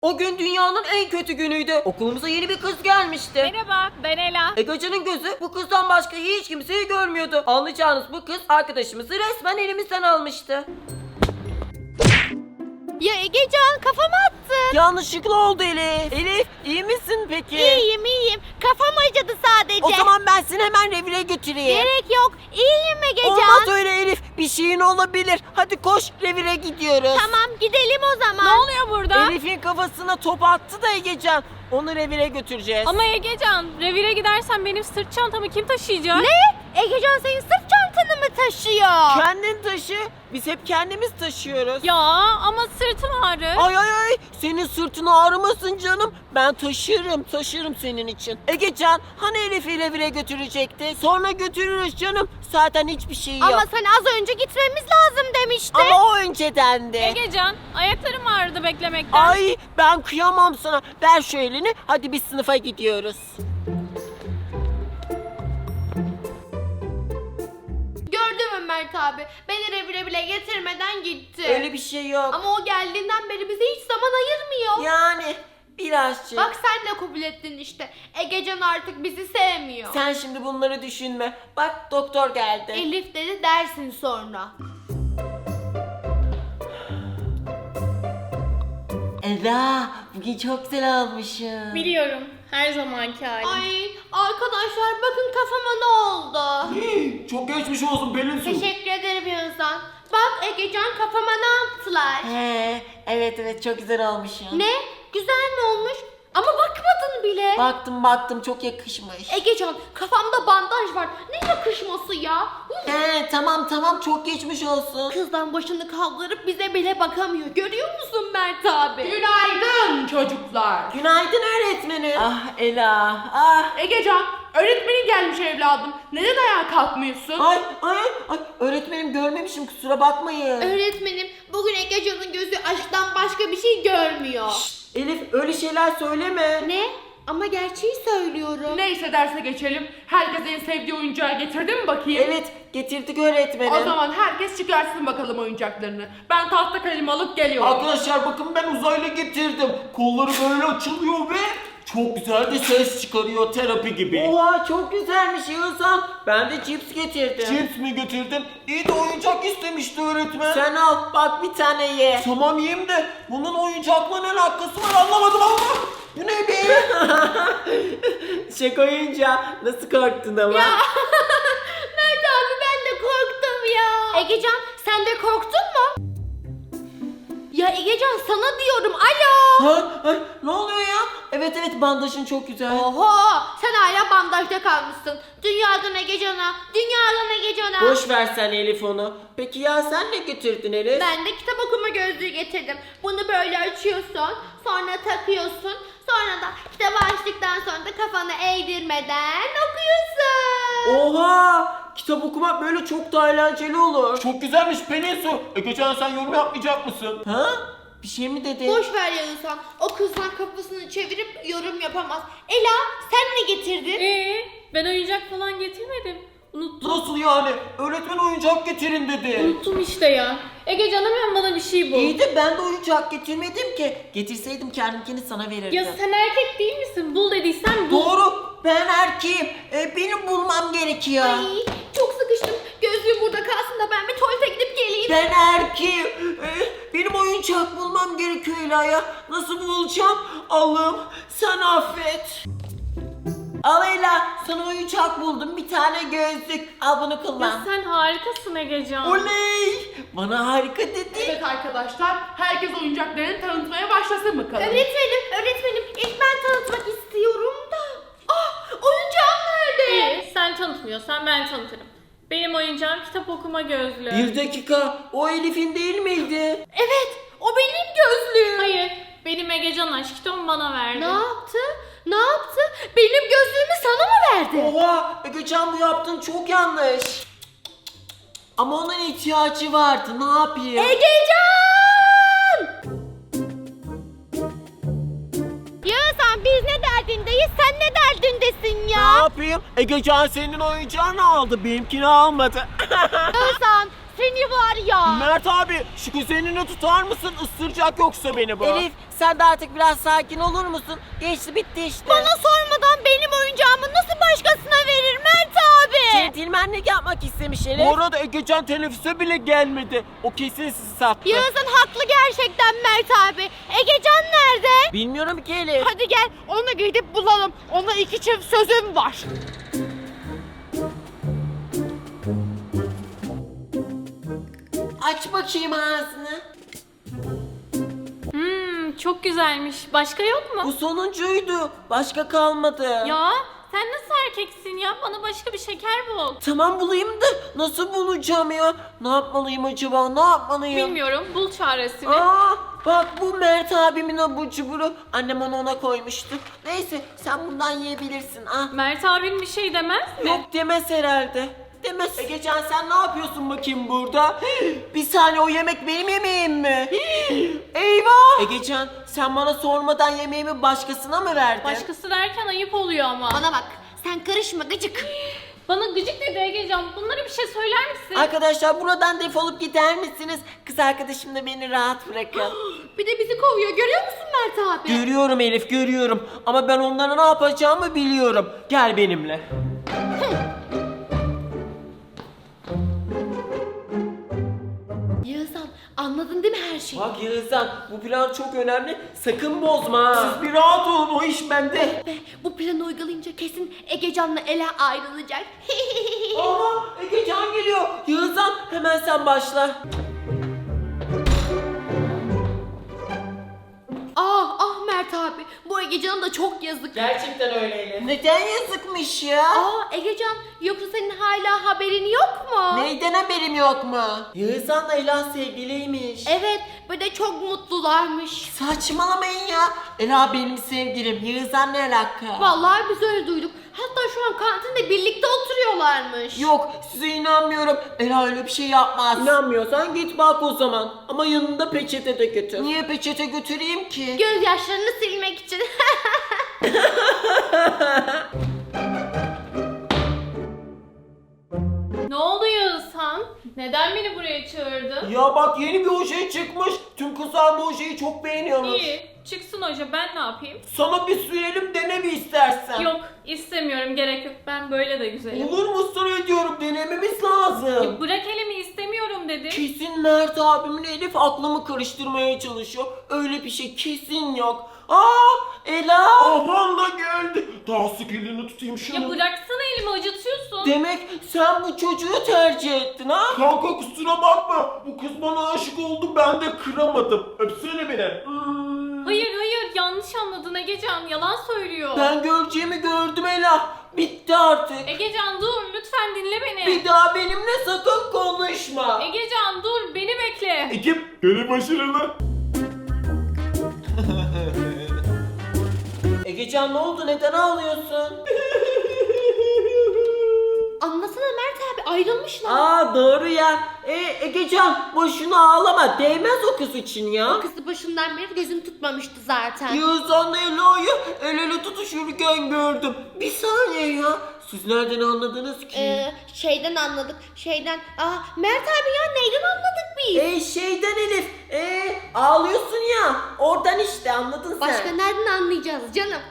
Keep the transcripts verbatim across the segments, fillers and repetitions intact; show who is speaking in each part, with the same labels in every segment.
Speaker 1: O gün dünyanın en kötü günüydü. Okulumuza yeni bir kız gelmişti.
Speaker 2: Merhaba, ben Ela.
Speaker 1: Egecan'ın gözü bu kızdan başka hiç kimseyi görmüyordu. Anlayacağınız bu kız arkadaşımızı resmen elimizden almıştı.
Speaker 2: Ya Egecan, kafama attı.
Speaker 3: Yanlışlıkla oldu Elif. Elif iyi misin peki?
Speaker 2: İyiyim iyiyim. Kafam acıdı sadece.
Speaker 3: O zaman ben seni hemen revire götüreyim.
Speaker 2: Gerek yok. İyiyim Egecan.
Speaker 3: Olmaz öyle Elif. Bir şeyin olabilir. Hadi koş, revire gidiyoruz.
Speaker 2: Tamam, gidelim o zaman. Ne oluyor burada?
Speaker 3: Elif'in kafasına top attı da Egecan. Onu revire götüreceğiz.
Speaker 4: Ama Egecan, revire gidersen benim sırt çantamı kim taşıyacak?
Speaker 2: Ne? Egecan senin sırt çantanı mı taşıyor?
Speaker 3: Kendin taşı. Biz hep kendimiz taşıyoruz.
Speaker 4: Ya ama sırtım ağrır.
Speaker 3: Ay ay ay. Senin sırtın ağrımasın canım. Ben taşırım, taşırım senin için. Egecan, hani Elif'i revire götürecekti? Sonra götürürüz canım. Zaten hiçbir şey yok.
Speaker 2: Ama sen az önce gitmemiz lazım demiştin.
Speaker 3: Ama o öncedendi.
Speaker 4: Egecan, ayaklarım ağrıdı beklemekten.
Speaker 3: Ay ben kıyamam sana. Ver şu elini. Hadi biz sınıfa gidiyoruz.
Speaker 5: Gördün mü Mert abi? Beni revire bile getirmeden gitti.
Speaker 3: Öyle bir şey yok.
Speaker 5: Ama o geldiğinden beri bize hiç zaman ayırmıyor.
Speaker 3: Yani birazcık.
Speaker 5: Bak sen de kabul ettin işte. Egecan artık bizi sevmiyor.
Speaker 3: Sen şimdi bunları düşünme. Bak doktor geldi.
Speaker 5: Elif dedi dersin sonra.
Speaker 3: Eda bugün çok güzel olmuşsun.
Speaker 4: Biliyorum, her zamanki halim.
Speaker 5: Ay arkadaşlar bakın kafama ne oldu.
Speaker 6: Çok geçmiş olsun Pelin Su.
Speaker 5: Teşekkür ederim Yunus'tan. Bak Egecan kafama ne yaptılar?
Speaker 3: He, evet evet çok güzel olmuşsun.
Speaker 5: Ne? Güzel mi olmuş? Ama bakmadın bile.
Speaker 3: Baktım baktım çok yakışmış.
Speaker 5: Egecan kafamda bandaj var. Ne yakışması ya?
Speaker 3: He tamam tamam çok geçmiş olsun.
Speaker 5: Kızdan başını kaldırıp bize bile bakamıyor. Görüyor musun Mert abi?
Speaker 7: Günaydın çocuklar.
Speaker 3: Günaydın öğretmenim. Ah Ela ah.
Speaker 7: Egecan, öğretmenin gelmiş evladım. Neden ayağa kalkmıyorsun?
Speaker 3: Ay ay ay öğretmenim görmemişim kusura bakmayın.
Speaker 5: Öğretmenim bugün Egecan'ın gözü aşktan başka bir şey görmüyor.
Speaker 3: Elif öyle şeyler söyleme.
Speaker 5: Ne? Ama gerçeği söylüyorum.
Speaker 7: Neyse derse geçelim. Herkes en sevdiği oyuncağı getirdi mi bakayım?
Speaker 3: Evet getirdik öğretmenim.
Speaker 7: O zaman herkes çıkarsın bakalım oyuncaklarını. Ben tahta kalemi alıp geliyorum.
Speaker 6: Arkadaşlar bakın ben uzaylı getirdim. Kolları böyle açılıyor ve çok güzel de ses çıkarıyor terapi gibi.
Speaker 3: Oha çok güzelmiş Yağızhan. Ben de cips getirdim.
Speaker 6: Cips mi getirdin? İyi de oyuncak istemişti öğretmen.
Speaker 3: Sen al bak bir tane ye.
Speaker 6: Tamam yiyeyim de bunun oyuncakla ne alakası var anlamadım ama. Bu ne be?
Speaker 3: Şaka oyuncağı nasıl korktun ama.
Speaker 5: Mert abi ben de korktum ya. Egecan sen de korktun mu? Ya Egecan sana diyorum alo.
Speaker 3: Ha, ha, ne oluyor ya? Evet evet bandajın çok güzel.
Speaker 5: Oho sen hala bandajda kalmışsın. Dünyadan Egecan'a, dünyadan Egecan'a.
Speaker 3: Boş ver sen Elif onu. Peki ya sen ne getirdin Elif?
Speaker 5: Ben de kitap okuma gözlüğü getirdim. Bunu böyle açıyorsun, sonra takıyorsun. Sonra da kitabı açtıktan sonra da kafanı eğdirmeden okuyorsun.
Speaker 3: Oha! Kitap okumak böyle çok da eğlenceli olur.
Speaker 6: Çok güzelmiş Pelin Su. E geçen sen yorum yapmayacak mısın?
Speaker 3: Ha? Bir şey mi dedin?
Speaker 5: Boş ver ya insan. O kızdan kafasını çevirip yorum yapamaz. Ela sen ne getirdin?
Speaker 4: Ee, ben oyuncak falan getirmedim. Unuttum.
Speaker 6: Nasıl yani? Öğretmen oyuncak getirin dedi.
Speaker 4: Unuttum işte ya. Egecan hemen bana bir şey bul.
Speaker 3: İyi de ben de oyuncak getirmedim ki. Getirseydim kendimkini sana verirdim.
Speaker 4: Ya sen erkek değil misin? Bul dediysen bul.
Speaker 3: Doğru. Ben erkeğim. E, benim bulmam gerekiyor.
Speaker 5: Ay çok sıkıştım. Gözlüğüm burada kalsın da ben bir tuvalete gidip geleyim.
Speaker 3: Ben erkeğim. E, benim oyuncak bulmam gerekiyor Ela'ya. Nasıl bulacağım? Allah'ım sen affet. Al Ela sana oyuncak buldum. Bir tane gözlük. Al bunu
Speaker 4: Ya
Speaker 3: kullan.
Speaker 4: sen harikasın Egecan.
Speaker 3: Oley. Bana harika dedi.
Speaker 7: Evet arkadaşlar, herkes oyuncaklarını tanıtmaya başlasın bakalım.
Speaker 5: Öğretmenim, öğretmenim ilk ben tanıtmak istiyorum da. Ah oyuncağım nerede?
Speaker 4: İyi, sen tanıtmıyorsan ben tanıtırım. Benim oyuncağım kitap okuma gözlüğü.
Speaker 3: Bir dakika. O Elif'in değil miydi?
Speaker 5: Evet o benim gözlüğüm.
Speaker 4: Hayır, benim Egecan aşkım bana verdi.
Speaker 5: Ne yaptı? Ne yaptı? Benim gözlüğümü sana mı verdi?
Speaker 3: Oha! Egecan bu yaptığın çok yanlış. Ama onun ihtiyacı vardı. Ne yapayım?
Speaker 5: Egecan! Yağızhan biz ne derdindeyiz sen ne derdindesin
Speaker 3: Ne
Speaker 5: ya?
Speaker 3: yapayım? Egecan senin oyuncağını aldı. Benimkini almadı.
Speaker 5: Yağızhan
Speaker 2: seni var ya.
Speaker 6: Mert abi şu kuzenini tutar mısın? Isıracak yoksa beni bu.
Speaker 1: Elif sen de artık biraz sakin olur musun? Geçti bitti işte.
Speaker 2: Bana sormadan benim oyuncağımı nasıl başkasına verir Mert abi?
Speaker 1: Centilmenlik yapmak istemiş Elif.
Speaker 6: Bu arada Egecan teneffüse bile gelmedi. O kesin sizi sattı.
Speaker 2: Yağız'ın haklı gerçekten Mert abi. Egecan nerede?
Speaker 1: Bilmiyorum ki Elif.
Speaker 2: Hadi gel onu gidip bulalım. Ona iki çift sözüm var.
Speaker 3: Aç bakayım ağzını.
Speaker 4: Hmm, çok güzelmiş. Başka yok mu?
Speaker 1: Bu sonuncuydu. Başka kalmadı.
Speaker 4: Ya sen nasıl erkeksin ya? Bana başka bir şeker bul.
Speaker 1: Tamam bulayım da nasıl bulacağım ya? Ne yapmalıyım acaba? Ne yapmalıyım?
Speaker 4: Bilmiyorum. Bul çaresini.
Speaker 1: Aa, bak bu Mert abimin abur cuburu. Annem onu ona koymuştu. Neyse sen bundan yiyebilirsin. Ah.
Speaker 4: Mert abin bir şey demez mi?
Speaker 1: Yok demez herhalde. Demez.
Speaker 6: Egecan sen ne yapıyorsun bakayım burada?
Speaker 1: Bir saniye o yemek benim yemeğim mi? Eyvah! Egecan sen bana sormadan yemeğimi başkasına mı verdin?
Speaker 4: Başkası derken ayıp oluyor ama.
Speaker 5: Bana bak, sen karışma gıcık.
Speaker 4: Bana gıcık dedi Egecan. Bunlara bir şey söyler misin?
Speaker 1: Arkadaşlar buradan defolup gider misiniz? Kız arkadaşım da beni rahat bırakın.
Speaker 5: Bir de bizi kovuyor, görüyor musun Mert abi?
Speaker 1: Görüyorum Elif görüyorum. Ama ben onlara ne yapacağımı biliyorum. Gel benimle.
Speaker 5: Yağızhan, anladın değil mi her şeyi?
Speaker 1: Bak Yağızhan bu plan çok önemli. Sakın bozma. ha.
Speaker 6: Siz bir rahat olun o iş bende.
Speaker 5: Be, bu planı uygulayınca kesin Egecan'la Ela ayrılacak.
Speaker 1: Aha Egecan geliyor. Yağızhan hemen sen başla.
Speaker 5: ah ah Mert abi, bu Egecan'a da çok yazık.
Speaker 1: Gerçekten öyle Elif. Neden yazıkmış ya?
Speaker 5: Aa Egecan, yoksa senin hala haberin yok mu?
Speaker 1: Neyden haberim yok mu? Yağızhan'la Ela sevgiliymiş.
Speaker 5: Evet, bir de çok mutlularmış.
Speaker 1: Saçmalamayın ya. Ela benim sevgilim. Yağızhan ne alaka?
Speaker 5: Vallahi biz öyle duyduk. Hatta şu an kantinde birlikte oturuyorlarmış.
Speaker 1: Yok size inanmıyorum. Ela öyle bir şey yapmaz. İnanmıyorsan git bak o zaman. Ama yanında peçete de götür. Niye peçete götüreyim ki?
Speaker 5: Gözyaşlarını silmek için.
Speaker 4: Ne oldu Yağızhan? Neden beni buraya çağırdın?
Speaker 6: Ya bak yeni bir oje çıkmış. Tüm kızlar bu ojeyi çok beğeniyormuş.
Speaker 4: İyi. Çıksın hoca, ben ne yapayım?
Speaker 6: Sana bir sürelim dene bir istersen.
Speaker 4: Yok, istemiyorum, gerek yok. Ben böyle de güzelim.
Speaker 6: Olur mu ısrar ediyorum denememiz lazım.
Speaker 4: Ya bırak elimi, istemiyorum dedim.
Speaker 1: Kesin Mert abimin Elif aklımı karıştırmaya çalışıyor. Öyle bir şey kesin yok. Aa Ela.
Speaker 6: Aman da geldi. Daha sık elini tutayım şunu.
Speaker 4: Ya bıraksana elimi, acıtıyorsun.
Speaker 1: Demek sen bu çocuğu tercih ettin ha?
Speaker 6: Kanka kusura bakma. Bu kız bana aşık oldu ben de kıramadım. Öpsene beni. Hmm.
Speaker 4: Hayır hayır, yanlış anladın Egecan, yalan söylüyor.
Speaker 1: Ben göreceğimi gördüm Ela. Bitti artık.
Speaker 4: Egecan dur, lütfen dinle beni.
Speaker 1: Bir daha benimle sakın konuşma.
Speaker 4: Egecan dur, beni bekle.
Speaker 6: Ekip görev başarılı.
Speaker 1: Egecan ne oldu? Neden ağlıyorsun?
Speaker 5: Anlasana Mert abi, ayrılmışlar.
Speaker 1: Aa doğru ya. E, Egecan boşuna ağlama. Değmez o kız için ya.
Speaker 5: Kızı başından beri gözüm tutmamıştı zaten.
Speaker 1: Yağızhan'la Ela'yı el ele tutuşurken gördüm. Bir saniye ya. Siz nereden anladınız ki?
Speaker 5: Ee, şeyden anladık. Şeyden. Aa Mert abi ya, neyden anladık biz?
Speaker 1: E şeyden Elif. E ağlıyorsun ya. Oradan işte anladın sen.
Speaker 5: Başka nereden anlayacağız canım?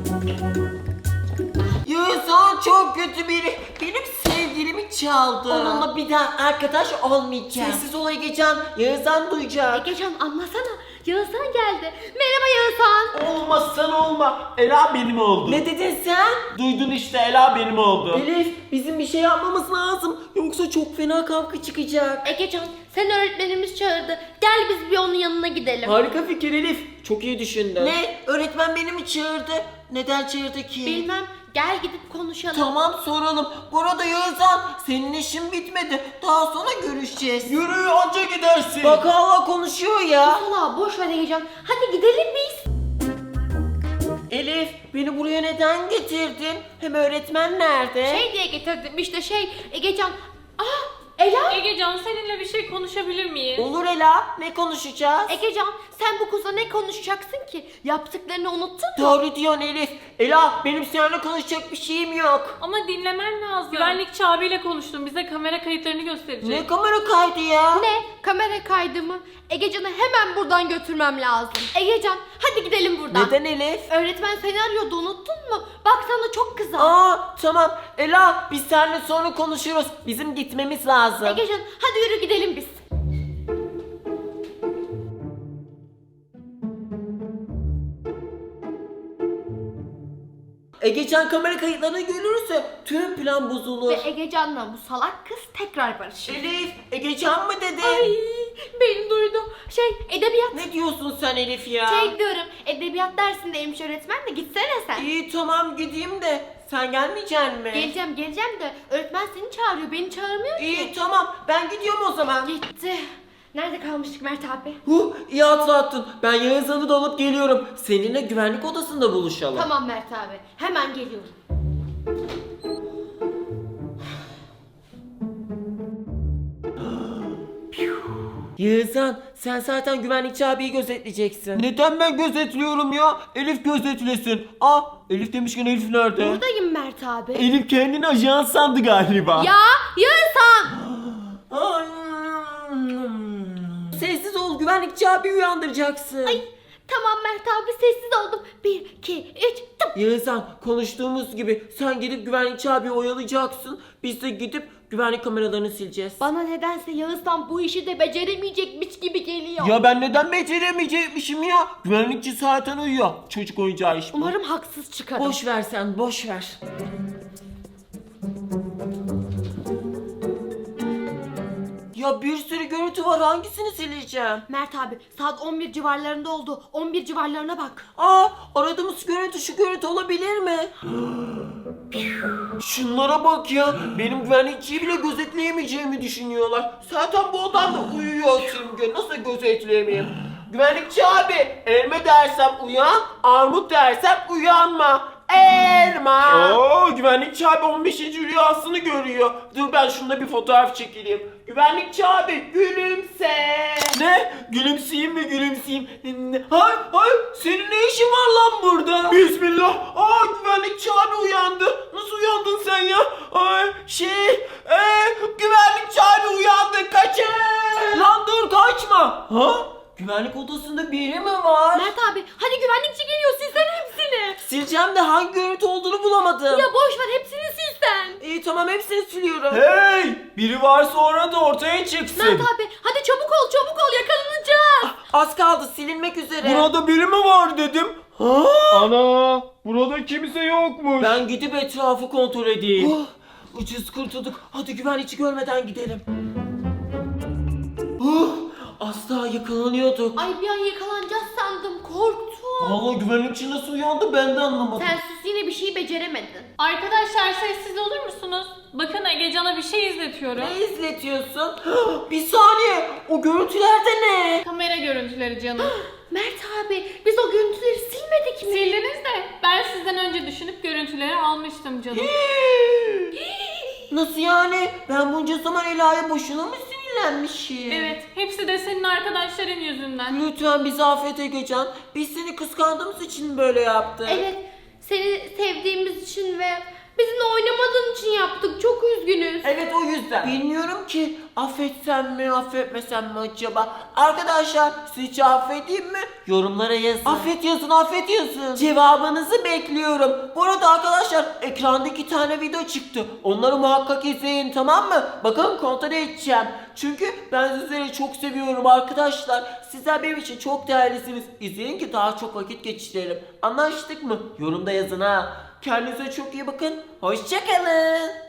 Speaker 1: Yağızhan çok kötü biri. Benim sevgilimi çaldı. Onunla bir daha arkadaş olmayacağım. Sessiz ol Egecan. Yağızhan duyacak.
Speaker 5: Egecan anlasana. Yağızhan geldi. Merhaba Yağızhan.
Speaker 6: Olmazsan olma. Ela benim oldu.
Speaker 1: Ne dedin sen?
Speaker 6: Duydun işte Ela benim oldu.
Speaker 1: Elif bizim bir şey yapmamız lazım. Yoksa çok fena kavga çıkacak.
Speaker 5: Egecan, sen öğretmenimiz çağırdı. Gel biz bir onun yanına gidelim.
Speaker 1: Harika fikir Elif. Çok iyi düşündün. Ne? Öğretmen beni mi çağırdı? Neden çağırdı ki?
Speaker 5: Bilmem. Gel gidip konuşalım.
Speaker 1: Tamam soralım. Bu arada Yağızhan senin işin bitmedi. Daha sonra görüşeceğiz.
Speaker 6: Yürü anca gidersin.
Speaker 1: Bak hala konuşuyor ya.
Speaker 5: Valla boş ver Egecan. Hadi gidelim biz.
Speaker 1: Elif beni buraya neden getirdin? Hem öğretmen nerede?
Speaker 5: Şey diye getirdim işte şey Egecan. Ah Ela?
Speaker 4: Egecan seninle bir şey konuşabilir miyiz?
Speaker 1: Olur Ela, ne konuşacağız?
Speaker 5: Egecan sen bu kızla ne konuşacaksın ki? Yaptıklarını unuttun mu?
Speaker 1: Doğru diyorsun Elif. Ela, benim seninle konuşacak bir şeyim yok.
Speaker 4: Ama dinlemen lazım. Güvenlikçi abiyle konuştum. Bize kamera kayıtlarını gösterecek.
Speaker 1: Ne kamera kaydı ya?
Speaker 5: Ne? Kamera kaydı mı? Egecan'ı hemen buradan götürmem lazım. Egecan hadi gidelim buradan.
Speaker 1: Neden Elif?
Speaker 5: Öğretmen seni arıyordu unuttun mu? Bak sana çok kızar.
Speaker 1: Aa tamam. Ela, biz seninle sonra konuşuruz. Bizim gitmemiz lazım.
Speaker 5: Egecan hadi yürü gidelim biz.
Speaker 1: Egecan kamera kayıtlarını görürse tüm plan bozulur.
Speaker 5: Ve Egecan'la bu salak kız tekrar barışır.
Speaker 1: Elif, Egecan mı dedi?
Speaker 5: Ay beni duydu. Şey edebiyat.
Speaker 1: Ne diyorsun sen Elif ya?
Speaker 5: Şey diyorum edebiyat dersindeymiş öğretmen de gitsene sen.
Speaker 1: İyi tamam gideyim de sen gelmeyeceksin mi?
Speaker 5: Geleceğim geleceğim de öğretmen seni çağırıyor beni çağırmıyor ki.
Speaker 1: İyi tamam ben gidiyorum o zaman.
Speaker 5: Gitti. Nerede kalmıştık Mert abi?
Speaker 1: Huh, iyi hatırlattın. Ben Yağızhan'ı da alıp geliyorum. Seninle güvenlik odasında buluşalım.
Speaker 5: Tamam Mert abi hemen geliyorum.
Speaker 1: Yağızhan, sen zaten güvenlikçi abiyi gözetleyeceksin.
Speaker 6: Neden ben gözetliyorum ya? Elif gözetlesin. Aa, Elif demişken Elif nerede?
Speaker 5: Buradayım Mert abi.
Speaker 6: Elif kendini ajan sandı galiba.
Speaker 5: Ya Yağızhan.
Speaker 1: Ay. Sessiz ol, güvenlikçi abi uyandıracaksın.
Speaker 5: Ay tamam Mert abi sessiz oldum. Bir, iki, üç, tıp.
Speaker 1: Yağızhan, konuştuğumuz gibi sen gidip güvenlikçi abiyi oyalayacaksın. Biz de gidip güvenlik kameralarını sileceğiz.
Speaker 5: Bana nedense Yağızhan bu işi de beceremeyecekmiş gibi geliyor.
Speaker 6: Ya ben neden beceremeyecekmişim ya? Güvenlikçi zaten uyuyor. Çocuk oyuncağı iş bu.
Speaker 5: Umarım haksız çıkarım.
Speaker 1: Boş ver sen, boş ver. Ya bir sürü görüntü var, hangisini sileceğim?
Speaker 5: Mert abi saat on bir civarlarında oldu. on bir civarlarına bak.
Speaker 1: Aa, aradığımız görüntü şu görüntü olabilir mi? Şunlara bak ya, benim güvenlikçiyi bile gözetleyemeyeceğimi düşünüyorlar. Zaten bu odamda uyuyor Simge, nasıl gözetleyemeyeyim? Güvenlikçi abi, elma dersem uyan, armut dersem uyanma. Elma.
Speaker 6: Oo, güvenlikçi abi on beşinci rüyasını görüyor. Dur ben şununla bir fotoğraf çekileyim. Güvenlikçi abi gülümse. Ne? Gülümseyeyim mi gülümseyeyim? Ne? Hay hay senin ne işin var lan burada? Bismillah. Aa, güvenlikçi abi uyandı. Nasıl uyandın sen ya? Ay, şey ee, güvenlikçi abi uyandı, kaçın.
Speaker 1: Lan dur, kaçma. Ha? Güvenlik odasında biri mi var?
Speaker 5: Mert abi hadi güvenlikçi geliyor silsene hepsini.
Speaker 1: Sileceğim de hangi görüntü olduğunu bulamadım.
Speaker 5: Ya boş ver hepsini silsen.
Speaker 1: İyi tamam, hepsini siliyorum.
Speaker 6: Hey! Biri var sonra da ortaya çıksın.
Speaker 5: Mert abi hadi çabuk ol çabuk ol yakalanacağız.
Speaker 1: Az kaldı, silinmek üzere.
Speaker 6: Burada biri mi var dedim. Ha? Ana! Burada kimse yokmuş.
Speaker 1: Ben gidip etrafı kontrol edeyim. Oh, ucuz kurtulduk. Hadi güvenlikçi görmeden gidelim. Oh, az daha yakalanıyorduk.
Speaker 5: Ay bir an yakalanacağız sandım korktum.
Speaker 1: Vallahi güvenlikçi nasıl uyandı ben de anlamadım.
Speaker 5: Sen sus yine bir şey beceremedin.
Speaker 4: Arkadaşlar sessiz olur musunuz? Bakın Egecan'a bir şey izletiyorum.
Speaker 1: Ne izletiyorsun? Bir saniye, o görüntülerde ne?
Speaker 4: Kamera görüntüleri canım.
Speaker 5: Mert abi biz o görüntüleri silmedik mi?
Speaker 4: Sildiniz de ben sizden önce düşünüp görüntüleri almıştım canım.
Speaker 1: Nasıl yani? Ben bunca zaman Ela'ya boşuna mı sinirlenmişim?
Speaker 4: Evet, hepsi de senin arkadaşların yüzünden.
Speaker 1: Lütfen bizi affet Egecan. Biz seni kıskandığımız için böyle yaptık.
Speaker 5: Evet seni sevdiğimiz için ve bizimle oynamadığın için yaptık çok üzgünüz.
Speaker 1: Evet, o yüzden. Bilmiyorum ki affetsem mi affetmesem mi acaba? Arkadaşlar sizce affedeyim mi? Yorumlara yazın. Affet yazın, affet yazın. Cevabınızı bekliyorum. Bu arada arkadaşlar ekranda iki tane video çıktı. Onları muhakkak izleyin, tamam mı? Bakın kontrol edeceğim. Çünkü ben sizleri çok seviyorum arkadaşlar. Sizler benim için çok değerlisiniz. İzleyin ki daha çok vakit geçirelim. Anlaştık mı? Yorumda yazın ha. Kendinize çok iyi bakın. Hoşça kalın.